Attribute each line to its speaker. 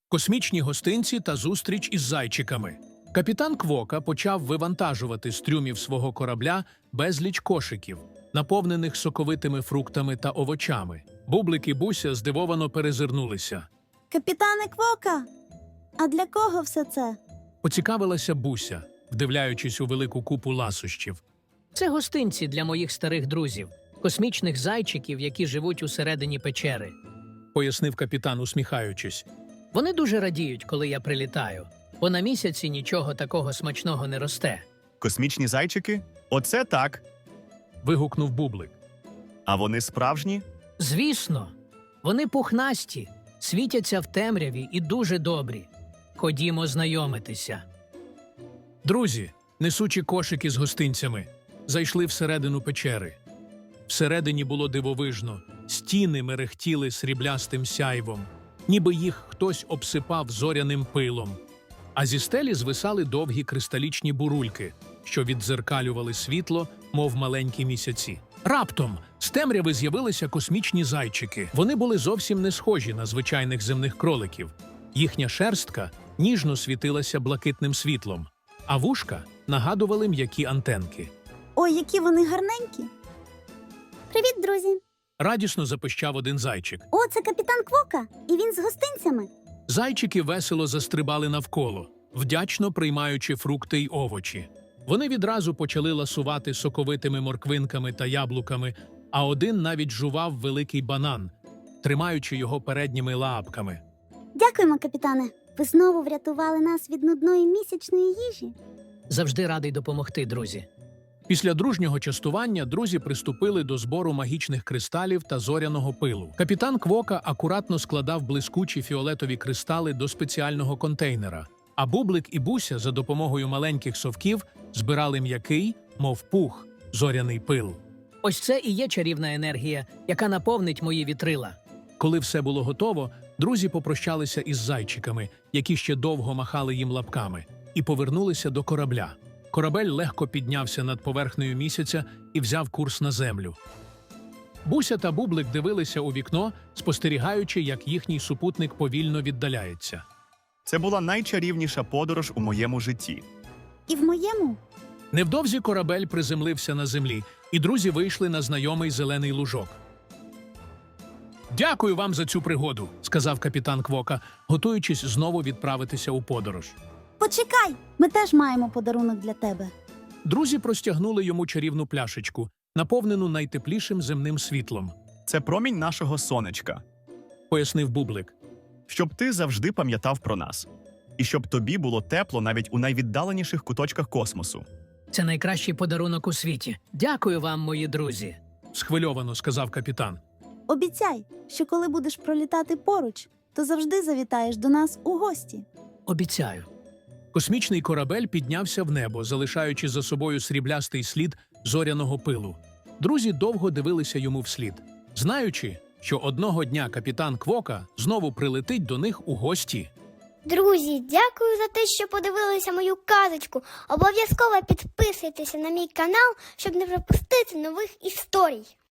Speaker 1: космічні гостинці та зустріч із зайчиками. Капітан Квока почав вивантажувати з трюмів свого корабля безліч кошиків, наповнених соковитими фруктами та овочами. Бублик і Буся здивовано перезирнулися.
Speaker 2: Капітане Квока, а для кого все це?
Speaker 1: Поцікавилася Буся, вдивляючись у велику купу ласощів.
Speaker 3: Це гостинці для моїх старих друзів, космічних зайчиків, які живуть усередині печери.
Speaker 1: Пояснив капітан, усміхаючись.
Speaker 3: Вони дуже радіють, коли я прилітаю, бо на місяці нічого такого смачного не росте.
Speaker 4: Космічні зайчики? Оце так.
Speaker 1: Вигукнув Бублик.
Speaker 4: А вони справжні?
Speaker 3: Звісно, вони пухнасті, світяться в темряві і дуже добрі. Ходімо знайомитися.
Speaker 1: Друзі, несучи кошики з гостинцями, зайшли всередину печери. Всередині було дивовижно, стіни мерехтіли сріблястим сяйвом, ніби їх хтось обсипав зоряним пилом. А зі стелі звисали довгі кристалічні бурульки, що віддзеркалювали світло, мов маленькі місяці. Раптом з темряви з'явилися космічні зайчики. Вони були зовсім не схожі на звичайних земних кроликів. Їхня шерстка ніжно світилася блакитним світлом, а вушка нагадували м'які антенки.
Speaker 2: Ой, які вони гарненькі. Привіт, друзі.
Speaker 1: Радісно запищав один зайчик.
Speaker 2: О, це капітан Квока, і він з гостинцями.
Speaker 1: Зайчики весело застрибали навколо, вдячно приймаючи фрукти й овочі. Вони відразу почали ласувати соковитими морквинками та яблуками, а один навіть жував великий банан, тримаючи його передніми лапками.
Speaker 2: Дякуємо, капітане. Ви знову врятували нас від нудної місячної їжі.
Speaker 3: Завжди радий допомогти, друзі.
Speaker 1: Після дружнього частування друзі приступили до збору магічних кристалів та зоряного пилу. Капітан Квока акуратно складав блискучі фіолетові кристали до спеціального контейнера, а Бублик і Буся за допомогою маленьких совків збирали м'який, мов пух, зоряний пил.
Speaker 3: Ось це і є чарівна енергія, яка наповнить мої вітрила.
Speaker 1: Коли все було готово, друзі попрощалися із зайчиками, які ще довго махали їм лапками, і повернулися до корабля. Корабель легко піднявся над поверхнею місяця і взяв курс на землю. Буся та Бублик дивилися у вікно, спостерігаючи, як їхній супутник повільно віддаляється.
Speaker 4: Це була найчарівніша подорож у моєму житті.
Speaker 2: І в моєму.
Speaker 1: Невдовзі корабель приземлився на землі, і друзі вийшли на знайомий зелений лужок. «Дякую вам за цю пригоду», – сказав капітан Квока, готуючись знову відправитися у подорож.
Speaker 2: Почекай, ми теж маємо подарунок для тебе.
Speaker 1: Друзі простягнули йому чарівну пляшечку, наповнену найтеплішим земним світлом,
Speaker 4: Це промінь нашого сонечка.
Speaker 1: пояснив Бублик.
Speaker 4: Щоб ти завжди пам'ятав про нас. І щоб тобі було тепло навіть у найвіддаленіших куточках космосу.
Speaker 3: Це найкращий подарунок у світі. Дякую вам, мої друзі.
Speaker 1: Схвильовано сказав капітан.
Speaker 2: Обіцяй, що коли будеш пролітати поруч, то завжди завітаєш до нас у гості.
Speaker 3: Обіцяю.
Speaker 1: Космічний корабель піднявся в небо, залишаючи за собою сріблястий слід зоряного пилу. Друзі довго дивилися йому вслід, знаючи, що одного дня капітан Квока знову прилетить до них у гості.
Speaker 5: Друзі, дякую за те, що подивилися мою казочку. Обов'язково підписуйтеся на мій канал, щоб не пропустити нових історій.